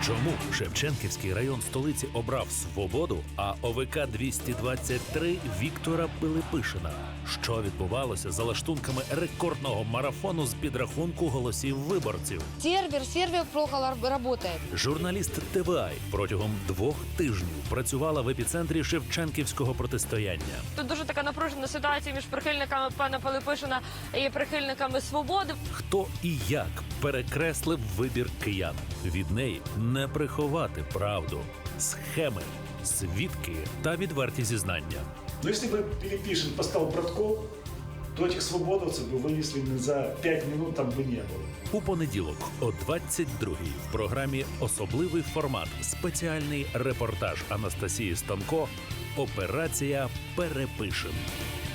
Чому Шевченківський район столиці обрав «Свободу», а ОВК-223 – Віктора Пилипишина? Що відбувалося за лаштунками рекордного марафону з підрахунку голосів виборців? Сервер плохо работает. Журналіст ТВА протягом 2 тижнів працювала в епіцентрі шевченківського протистояння. Тут дуже така напружена ситуація між прихильниками пана Пилипишина і прихильниками «Свободи». Хто і як перекреслив вибір киян? Від неї не приховати правду, схеми, свідки та відверті зізнання. Но если бы Пилипишин поставил Братков, то этих свободовцев бы вынесли за 5 минут, там бы не было. У понеділок о 22-й в програмі «Особливий формат» спеціальний репортаж Анастасії Станко «Операція Перепишем».